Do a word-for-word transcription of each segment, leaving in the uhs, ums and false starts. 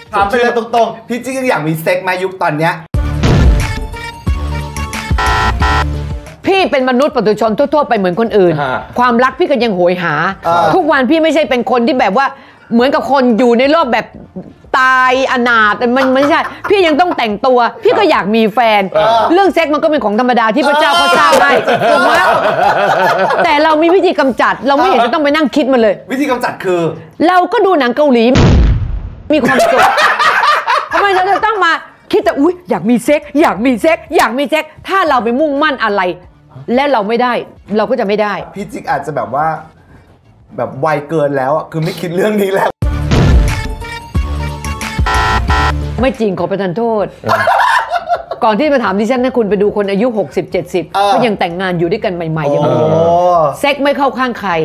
ถามไปเลยตรงๆพี่จิ๊กยังอยากมีเซ็กมายุคตอนเนี้ยพี่เป็นมนุษย์ปุถุชนทั่วๆไปเหมือนคนอื่นความรักพี่ก็ยังโหยหาทุกวันพี่ไม่ใช่เป็นคนที่แบบว่าเหมือนกับคนอยู่ในโลกแบบตายอนาถมันไม่ใช่พี่ยังต้องแต่งตัวพี่ก็อยากมีแฟนเรื่องเซ็กมันก็เป็นของธรรมดาที่พระเจ้าเขาสร้างให้ถูกไหมแต่เรามีวิธีกำจัดเราไม่เห็นจะต้องไปนั่งคิดมันเลยวิธีกำจัดคือเราก็ดูหนังเกาหลีมีความสุขทำไมเราจะต้องมาคิดแต่อุ๊ยอยากมีเซ็กอยากมีเซ็กอยากมีเซ็กถ้าเราไปมุ่งมั่นอะไรและเราไม่ได้เราก็จะไม่ได้พี่จิ๊กอาจจะแบบว่าแบบวัยเกินแล้วอ่ะคือไม่คิดเรื่องนี้แล้วไม่จริงขอประทานโทษก่อนที่มาถามดิฉันนะคุณไปดูคนอายุหกสิบ เจ็ดสิบก็ยังแต่งงานอยู่ด้วยกันใหม่ๆอย่างนี้เซ็กไม่เข้าข้างใคร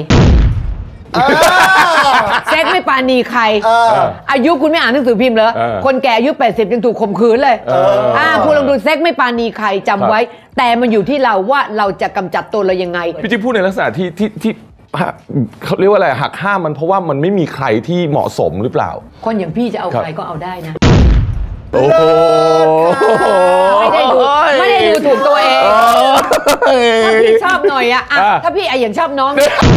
เซ็กไม่ปาณีใครอายุคุณไม่อ่านหนังสือพิมพ์เหรอคนแก่อายุแปดสิบยังถูกข่มขืนเลยอ่าคุณลองดูเซ็กไม่ปาณีใครจำไว้แต่มันอยู่ที่เราว่าเราจะกำจัดตัวเรายังไงพี่จิ๊บพูดในลักษณะที่ที่ที่เขาเรียกว่าอะไรหักห้ามมันเพราะว่ามันไม่มีใครที่เหมาะสมหรือเปล่าคนอย่างพี่จะเอาใครก็เอาได้นะโอ้ไม่ได้ดูไม่ได้ดูถูกตัวเองถ้าพี่ชอบหน่อยอะถ้าพี่ไออย่างชอบน้อง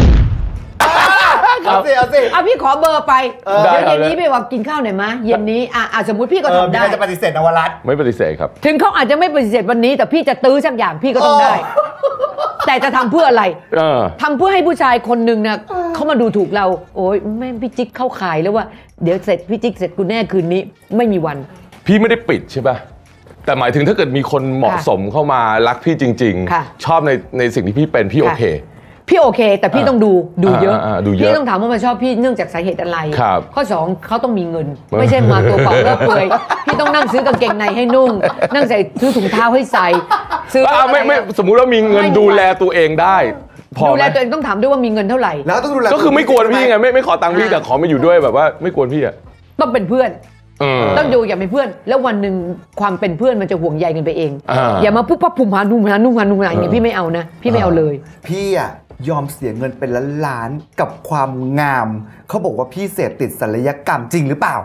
เอาสิเอาสิเอาพี่ขอเบอร์ไปเดี๋ยวเย็นนี้ไปว่ากินข้าวหน่อยมะเย็นนี้อ่ะสมมติพี่ก็ทำได้จะปฏิเสธนวรัตน์ไม่ปฏิเสธครับถึงเขาอาจจะไม่ปฏิเสธวันนี้แต่พี่จะตื้อสักอย่างพี่ก็ต้องได้แต่จะทำเพื่ออะไรทำเพื่อให้ผู้ชายคนหนึ่งเนี่ยเขามาดูถูกเราโอ๊ยแม่พี่จิ๊กเข้าขายแล้วว่าเดี๋ยวเสร็จพี่จิ๊กเสร็จกูแน่คืนนี้ไม่มีวันพี่ไม่ได้ปิดใช่ป่ะแต่หมายถึงถ้าเกิดมีคนเหมาะสมเข้ามารักพี่จริงๆชอบในในสิ่งที่พี่เป็นพี่โอเคพี่โอเคแต่พี่ต้องดูดูเยอะพี่ต้องถามว่ามันชอบพี่เนื่องจากสาเหตุอะไรข้อสองเขาต้องมีเงินไม่ใช่มาตัวเปล่าเลิกเปลือยพี่ต้องนั่งซื้อกางเกงในให้นุ่งนั่งใส่ซื้อถุงเท้าให้ใส่ซื้อไม่ไม่สมมุติว่ามีเงินดูแลตัวเองได้ดูแลตัวเองต้องถามด้วยว่ามีเงินเท่าไหร่แล้วต้องดูแลก็คือไม่กวนพี่ไงไม่ไม่ขอตังค์พี่แต่ขอมาอยู่ด้วยแบบว่าไม่กวนพี่อะต้องเป็นเพื่อนต้องดูอย่าเป็นเพื่อนแล้ววันหนึ่งความเป็นเพื่อนมันจะห่วงใยกันไปเองอย่ามาปุ๊บปั๊บผุ่มหานุ่มหานุ่มหานุ่มหาอย่างนี้พี่ไม่เอานะพี่ไม่เอาเลยพี่อะยอมเสียเงินเป็นล้านๆกับความงามเขาบอกว่าพี่เสพติดศัลยกรรมจริงหรือเปล่า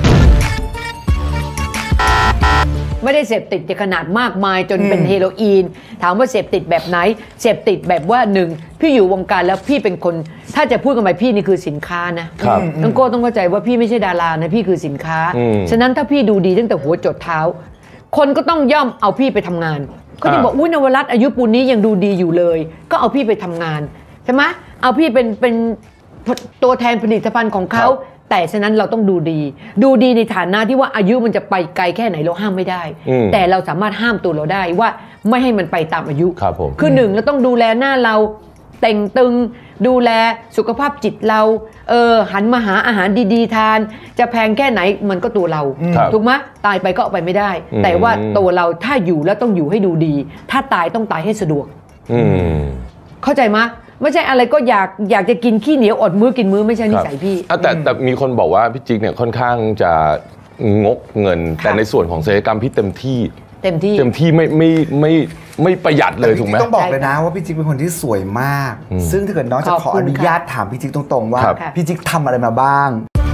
ไม่ได้เสพติดในขนาดมากมายจนเป็นเฮโรอีนถามว่าเสพติดแบบไหนเสพติดแบบว่าหนึ่งพี่อยู่วงการแล้วพี่เป็นคนถ้าจะพูดกันไปพี่นี่คือสินค้านะน้องโก้ต้องเข้าใจว่าพี่ไม่ใช่ดารานะพี่คือสินค้าฉะนั้นถ้าพี่ดูดีตั้งแต่หัวจดเท้าคนก็ต้องย่อมเอาพี่ไปทำงานเขาจะบอกอุ้ยนวรัตน์อายุปูนนี้ยังดูดีอยู่เลยก็เอาพี่ไปทำงานใช่ไหมเอาพี่เป็นเป็นตัวแทนผลิตภัณฑ์ของเขาแต่ฉะนั้นเราต้องดูดีดูดีในฐานะที่ว่าอายุมันจะไปไกลแค่ไหนเราห้ามไม่ได้แต่เราสามารถห้ามตัวเราได้ว่าไม่ให้มันไปตามอายุคือหนึ่งเราต้องดูแลหน้าเราแต่งตึงดูแลสุขภาพจิตเราเออหันมาหาอาหารดีๆทานจะแพงแค่ไหนมันก็ตัวเราถูกไหมตายไปก็เอาไปไม่ได้แต่ว่าตัวเราถ้าอยู่แล้วต้องอยู่ให้ดูดีถ้าตายต้องตายให้สะดวกเข้าใจไหมไม่ใช่อะไรก็อยากอยากจะกินขี้เหนียวอดมื้อกินมื้อไม่ใช่นิสัยพี่แต่แต่มีคนบอกว่าพี่จิ๊กเนี่ยค่อนข้างจะงกเงินแต่ในส่วนของศัลยกรรมพี่เต็มที่เต็มที่เต็มที่ไม่ไม่ไม่ไม่ประหยัดเลยถูกไหมต้องบอกเลยนะว่าพี่จิ๊กเป็นคนที่สวยมากซึ่งถ้าเกิดน้องจะขออนุญาตถามพี่จิ๊กตรงๆว่าพี่จิ๊กทำอะไรมาบ้าง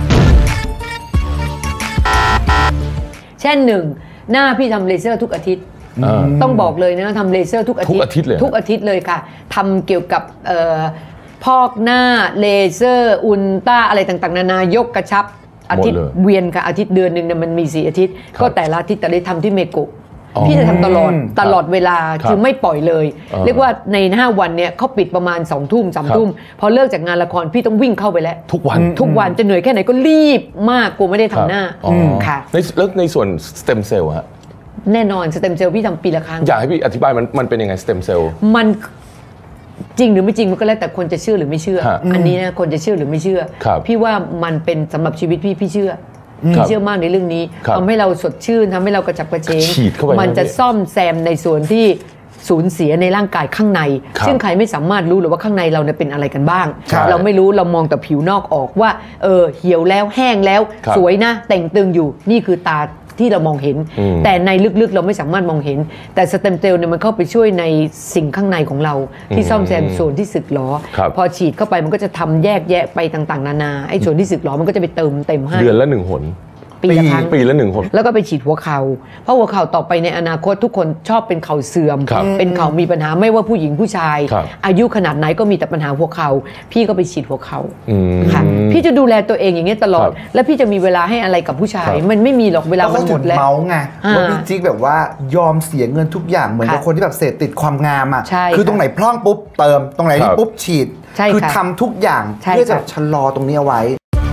เช่นหนึ่งหน้าพี่ทำเลเซอร์ทุกอาทิตย์ต้องบอกเลยนะทำเลเซอร์ทุกอาทิตย์ทุกอาทิตย์เลยทุกอาทิตย์เลยค่ะทำเกี่ยวกับพอกหน้าเลเซอร์อุลตร้าอะไรต่างๆนานายกกระชับอาทิตย์เวียนค่ะอาทิตย์เดือนหนึ่งเนี่ยมันมีสี่อาทิตย์ก็แต่ละอาทิตย์แต่ได้ทำที่เมโกะพี่จะทำตลอดตลอดเวลาคือไม่ปล่อยเลยเรียกว่าในห้าวันเนี่ยเขาปิดประมาณสองทุ่มสามทุ่มพอเลิกจากงานละครพี่ต้องวิ่งเข้าไปแล้วทุกวันทุกวันจะเหนื่อยแค่ไหนก็รีบมากกลัวไม่ได้ทำหน้าค่ะแล้วในส่วนสเต็มเซลล์ฮะแน่นอนสเต็มเซลล์พี่ทำปีละครั้งอยากให้พี่อธิบายมันมันเป็นยังไงสเต็มเซลล์มันจริงหรือไม่จริงมันก็แล้วแต่คนจะเชื่อหรือไม่เชื่ออันนี้นะคนจะเชื่อหรือไม่เชื่อพี่ว่ามันเป็นสำหรับชีวิตพี่พี่เชื่อพี่เชื่อมากในเรื่องนี้ทำให้เราสดชื่นทำให้เรากระฉับกระเฉงมันจะซ่อมแซมในส่วนที่สูญเสียในร่างกายข้างในซึ่งใครไม่สามารถรู้หรือว่าข้างในเราเนี่ยเป็นอะไรกันบ้างเราไม่รู้เรามองแต่ผิวนอกออกว่าเออเหี่ยวแล้วแห้งแล้วสวยนะแต่งตึงอยู่นี่คือตาที่เรามองเห็นแต่ในลึกๆเราไม่สามารถมองเห็นแต่สเต็มเซลล์เนี่ยมันเข้าไปช่วยในสิ่งข้างในของเราที่ซ่อมแซมส่วนที่สึกหรอพอฉีดเข้าไปมันก็จะทำแยกแยะไปต่างๆนานาไอ้ส่วนที่สึกหรอมันก็จะไปเติมเต็มให้เดือนละหนึ่งหนปีละครั้งปีละหนึ่งคนแล้วก็ไปฉีดหัวเข่าเพราะหัวเข่าต่อไปในอนาคตทุกคนชอบเป็นเข่าเสื่อมเป็นเข่ามีปัญหาไม่ว่าผู้หญิงผู้ชายอายุขนาดไหนก็มีแต่ปัญหาหัวเข่าพี่ก็ไปฉีดหัวเข่าค่ะพี่จะดูแลตัวเองอย่างนี้ตลอดแล้วพี่จะมีเวลาให้อะไรกับผู้ชายมันไม่มีหรอกเวลามันหมดแล้วเมาส์ไงว่าพี่จิ๊กแบบว่ายอมเสียเงินทุกอย่างเหมือนกับคนที่แบบเสพติดความงามอ่ะคือตรงไหนพร่องปุ๊บเติมตรงไหนนี่ปุ๊บฉีดคือทำทุกอย่างเพื่อจะชะลอตรงนี้เอาไว้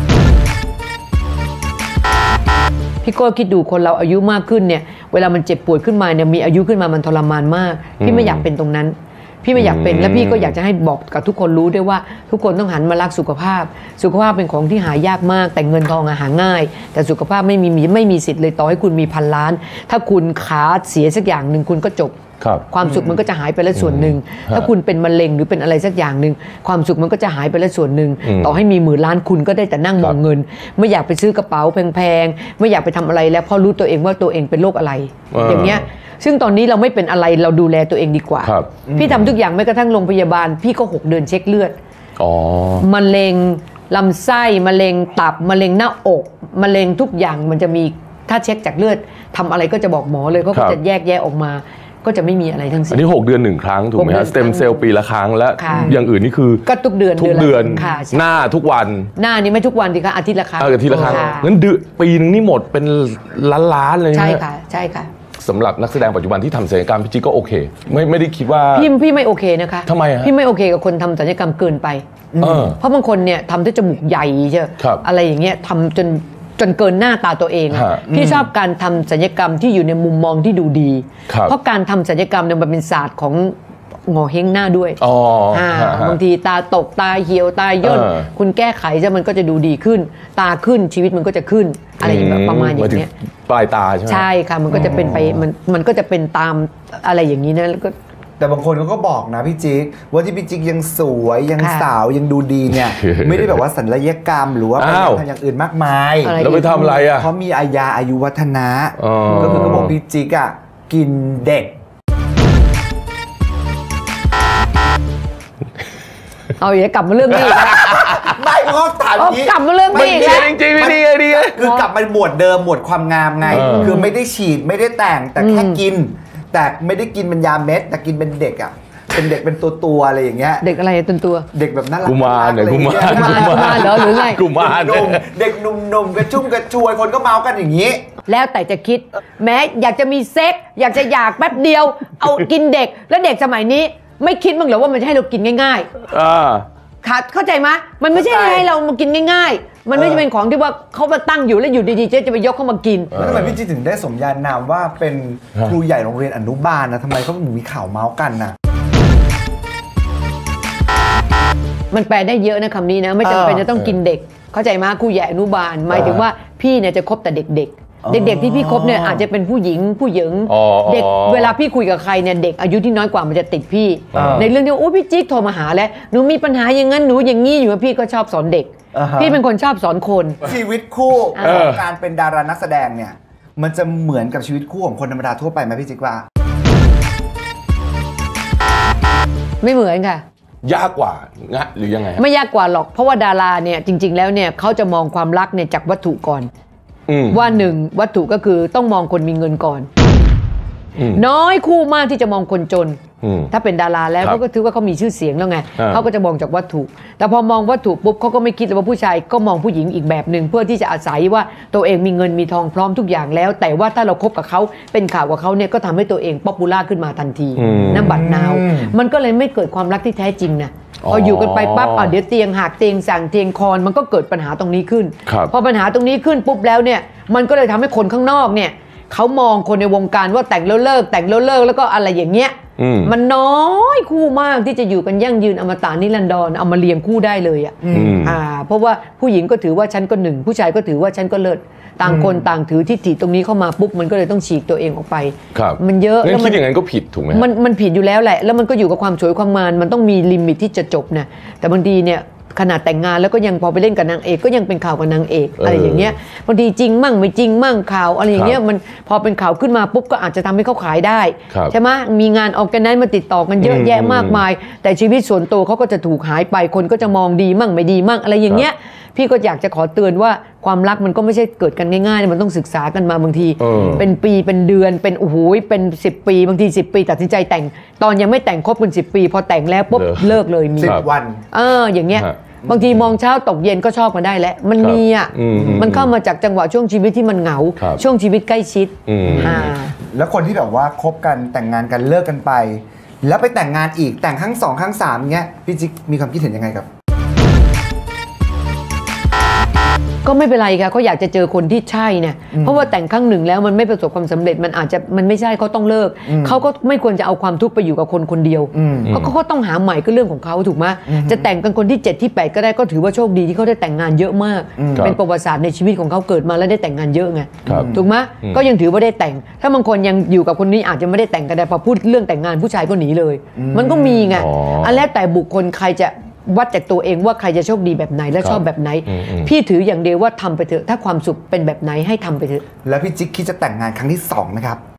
พี่โก้คิดดูคนเราอายุมากขึ้นเนี่ยเวลามันเจ็บปวดขึ้นมาเนี่ยมีอายุขึ้นมามันทรมานมากพี่ไม่อยากเป็นตรงนั้นพี่ไม่อยากเป็นและพี่ก็อยากจะให้บอกกับทุกคนรู้ด้วยว่าทุกคนต้องหันมารักสุขภาพสุขภาพเป็นของที่หายากมากแต่เงินทองหาง่ายแต่สุขภาพไม่มีไม่มีสิทธิ์เลยต่อให้คุณมีพันล้านถ้าคุณขาเสียสักอย่างหนึ่งคุณก็จบความสุขมันก็จะหายไปแล้วส่วนหนึ่งถ้าคุณเป็นมะเร็งหรือเป็นอะไรสักอย่างหนึ่งความสุขมันก็จะหายไปแล้วส่วนหนึ่งต่อให้มีหมื่นล้านคุณก็ได้แต่นั่งมองเงินไม่อยากไปซื้อกระเป๋าแพงๆไม่อยากไปทำอะไรแล้วเพราะรู้ตัวเองว่าตัวเองเป็นโรคอะไรอย่างเงี้ยซึ่งตอนนี้เราไม่เป็นอะไรเราดูแลตัวเองดีกว่าพี่ทำทุกอย่างแม้กระทั่งโรงพยาบาลพี่ก็หกเดือนเช็คเลือดมะเร็งลำไส้มะเร็งตับมะเร็งหน้าอกมะเร็งทุกอย่างมันจะมีถ้าเช็คจากเลือดทำอะไรก็จะบอกหมอเลยเขาก็จะแยกแยะออกมาก็จะไม่มีอะไรทั้งสิ้นอันนี้หกเดือนหนึ่งครั้งถูกไหมฮะสเต็มเซลล์ปีละครั้งและอย่างอื่นนี่คือก็ทุกเดือนทุกเดือนหน้าทุกวันหน้านี่ไม่ทุกวันดีค่ะอาทิตย์ละครั้งอาทิตย์ละครั้งงั้นเดือนปีนึงนี่หมดเป็นล้านๆเลยใช่ค่ะใช่ค่ะสำหรับนักแสดงปัจจุบันที่ทำศัลยกรรมพี่จิ๊กก็โอเคไม่ไม่ได้คิดว่าพี่พี่ไม่โอเคนะคะทำไมฮะพี่ไม่โอเคกับคนทำศัลยกรรมเกินไปเพราะบางคนเนี่ยทำด้วยจมูกใหญ่ใช่อะไรอย่างเงี้ยทำจนจนเกินหน้าตาตัวเองพี่ชอบการทำศัลยกรรมที่อยู่ในมุมมองที่ดูดีเพราะการทำศัลยกรรมเนี่ยมันเป็นศาสตร์ของงอเฮงหน้าด้วยบางทีตาตกตาเหี่ยวตาย่นคุณแก้ไขจะมันก็จะดูดีขึ้นตาขึ้นชีวิตมันก็จะขึ้นอะไรอย่างแบบประมาณอย่างเนี้ยปลายตาใช่ไหมใช่ค่ะมันก็จะเป็นไปมันมันก็จะเป็นตามอะไรอย่างนี้นะแล้วก็แต่บางคนเขาก็บอกนะพี่จิ๊กว่าที่พี่จิ๊กยังสวยยังสาวยังดูดีเนี่ยไม่ได้แบบว่าศัลยกรรมหรือว่าไปทำอย่างอื่นมากมายแล้วไปทำอะไรอ่ะเขามีอายาอายุวัฒนะก็คือเขาบอกพี่จิ๊กอ่ะกินเด็กเอาอย่ากลับมาเรื่องนี้ไม่เพราะถามนี้กลับมาเรื่องนี้แล้วจริงๆไม่ดีดีคือกลับมาหมวดเดิมหมวดความงามไงคือไม่ได้ฉีดไม่ได้แต่งแต่แค่กินแต่ไม่ได้กินเป็นยาเม็ดแต่กินเป็นเด็กอ่ะเป็นเด็กเป็นตัวตัวอะไรอย่างเงี้ยเด็กอะไรตัวตัวเด็กแบบน่ารักกุมารเนี่ยกุมารกุมารเหรอหรือไงกุมารเด็กหนุ่มๆกระชุ่มกระชวยคนก็เมากันอย่างนี้แล้วแต่จะคิดแม้อยากจะมีเซ็กอยากจะอยากแป๊บเดียวเอากินเด็กแล้วเด็กสมัยนี้ไม่คิดบ้างเหรอว่ามันจะให้เรากินง่ายๆค่ะเข้าใจไหมมันไม่ใช่ให้เรามากินง่ายๆมันไม่ใช่เป็นของที่ว่าเขามาตั้งอยู่แล้วอยู่ดีๆเจ๊จะไปยกเข้ามากินแล้วทำไมพี่จิ๊กถึงได้สมญานามว่าเป็นครูใหญ่โรงเรียนอนุบาลนะทำไมเขาถึงมีข่าวเมาส์กันนะมันแปลได้เยอะนะคำนี้นะไม่จำเป็นจะต้องกินเด็กเข้าใจไหมครูใหญ่อนุบาลหมายถึงว่าพี่เนี่ยจะคบแต่เด็กๆเด็กๆที่พี่คบเนี่ยอาจจะเป็นผู้หญิงผู้หญิงเด็กเวลาพี่คุยกับใครเนี่ยเด็กอายุที่น้อยกว่ามันจะติดพี่ในเรื่องที่โอ้พี่จิ๊กโทรมาหาแล้วหนูมีปัญหาอย่างนั้นหนูอย่างนี้อยู่พี่ก็ชอบสอนเด็กพี่เป็นคนชอบสอนคนชีวิตคู่ของการเป็นดารานักแสดงเนี่ยมันจะเหมือนกับชีวิตคู่ของคนธรรมดาทั่วไปไหมพี่จิ๊กว่าไม่เหมือนค่ะยากกว่างะหรือยังไงไม่ยากกว่าหรอกเพราะว่าดาราเนี่ยจริงๆแล้วเนี่ยเขาจะมองความรักเนี่ยจากวัตถุก่อนว่าหนึ่งวัตถุก็คือต้องมองคนมีเงินก่อนน้อยคู่มากที่จะมองคนจนถ้าเป็นดาราแล้วเขาก็ถือว่าเขามีชื่อเสียงแล้วไงเขาก็จะมองจากวัตถุแต่พอมองวัตถุปุ๊บเขาก็ไม่คิดว่าผู้ชายก็มองผู้หญิงอีกแบบหนึ่งเพื่อที่จะอาศัยว่าตัวเองมีเงินมีทองพร้อมทุกอย่างแล้วแต่ว่าถ้าเราคบกับเขาเป็นข่าวกับเขาเนี่ยก็ทำให้ตัวเองป๊อปปูล่าขึ้นมาทันทีน้ำบัตรนาวมันก็เลยไม่เกิดความรักที่แท้จริงนะพออยู่กันไปปั๊บอ่ะเดี๋ยวเตียงหักเตียงสั่งเตียงคอนมันก็เกิดปัญหาตรงนี้ขึ้นพอปัญหาตรงนี้ขึ้นปุ๊บแล้วเนี่ยมันก็เลยทำให้คนข้างนอกเนี่ยเขามองคนในวงการว่าแต่งแล้วเลิกแต่งแล้วเลิกแล้วก็อะไรอย่างเงี้ยมันน้อยคู่มากที่จะอยู่กันยั่งยืนอมตะนิรันดรเอามาเรียงคู่ได้เลยอ่ะอ่าเพราะว่าผู้หญิงก็ถือว่าฉันก็หนึ่งผู้ชายก็ถือว่าฉันก็เลิศต่างคนต่างถือทิฏฐิตรงนี้เข้ามาปุ๊บมันก็เลยต้องฉีกตัวเองออกไปมันเยอะแล้วคิดอย่างนั้นก็ผิดถูกไหมมันมันผิดอยู่แล้วแหละแล้วมันก็อยู่กับความสวยความงามมันต้องมีลิมิตที่จะจบนะแต่บางทีเนี่ยขนาดแต่งงานแล้วก็ยังพอไปเล่นกับนางเอกก็ยังเป็นข่าวกับนางเอกอะไรอย่างเงี้ยบางทีจริงมั่งไม่จริงมั่งข่าวอะไรอย่างเงี้ยมันพอเป็นข่าวขึ้นมาปุ๊บก็อาจจะทำให้เขาขายได้ใช่ไหมมีงานออร์แกไนซ์มาติดต่อกันเยอะแยะมากมายแต่ชีวิตส่วนตัวเขาก็จะถูกหายไปคนก็จะมองดีมั่งไม่ดีมั่งอะไรอย่างเงี้ยพี่ก็อยากจะขอเตือนว่าความรักมันก็ไม่ใช่เกิดกันง่ายๆมันต้องศึกษากันมาบางทีเออเป็นปีเป็นเดือนเป็นโอ้โหเป็นสิบปีบางทีสิบปีตัดสินใจแต่งตอนยังไม่แต่งคบกันสิบปี พอแต่งแล้วปุ๊บเลิกเลยมีสิบวันเอออย่างเงี้ยฮะบางทีมองเช้าตกเย็นก็ชอบมาได้แล้วมันมีอ่ะอืมมันเข้ามาจากจังหวะช่วงชีวิตที่มันเหงาครับช่วงชีวิตใกล้ชิดอืมอ่าแล้วคนที่แบบว่าคบกันแต่งงานกันเลิกกันไป แล้วไปแต่งงานอีกแต่งครั้งสองครั้งสามเงี้ยพี่จิ๊กมีความคิดเห็นยังไงกับก็ไม่เป็นไรค่ะเขาอยากจะเจอคนที่ใช่เนี่ยเพราะว่าแต่งครั้งหนึ่งแล้วมันไม่ประสบความสำเร็จมันอาจจะมันไม่ใช่เขาต้องเลิกเขาก็ไม่ควรจะเอาความทุกข์ไปอยู่กับคนคนเดียวเขาก็ต้องหาใหม่ก็เรื่องของเขาถูกไหมจะแต่งกันคนที่เจ็ดที่แปดก็ได้ก็ถือว่าโชคดีที่เขาได้แต่งงานเยอะมากเป็นประวัติศาสตร์ในชีวิตของเขาเกิดมาแล้วได้แต่งงานเยอะไงครับถูกไหมก็ยังถือว่าได้แต่ง ถ้าบางคนยังอยู่กับคนนี้อาจจะไม่ได้แต่งกันแต่พอพูดเรื่องแต่งงานผู้ชายก็หนีเลย มันก็มีไงอ๋ออัอันแล้วแต่บุคคลใครจะวัดจากตัวเองว่าใครจะโชคดีแบบไหนและชอบแบบไหนอืมอืมพี่ถืออย่างเดียวว่าทำไปเถอะถ้าความสุขเป็นแบบไหนให้ทำไปเถอะแล้วพี่จิ๊กคิดจะแต่งงานครั้งที่สองไหมครับ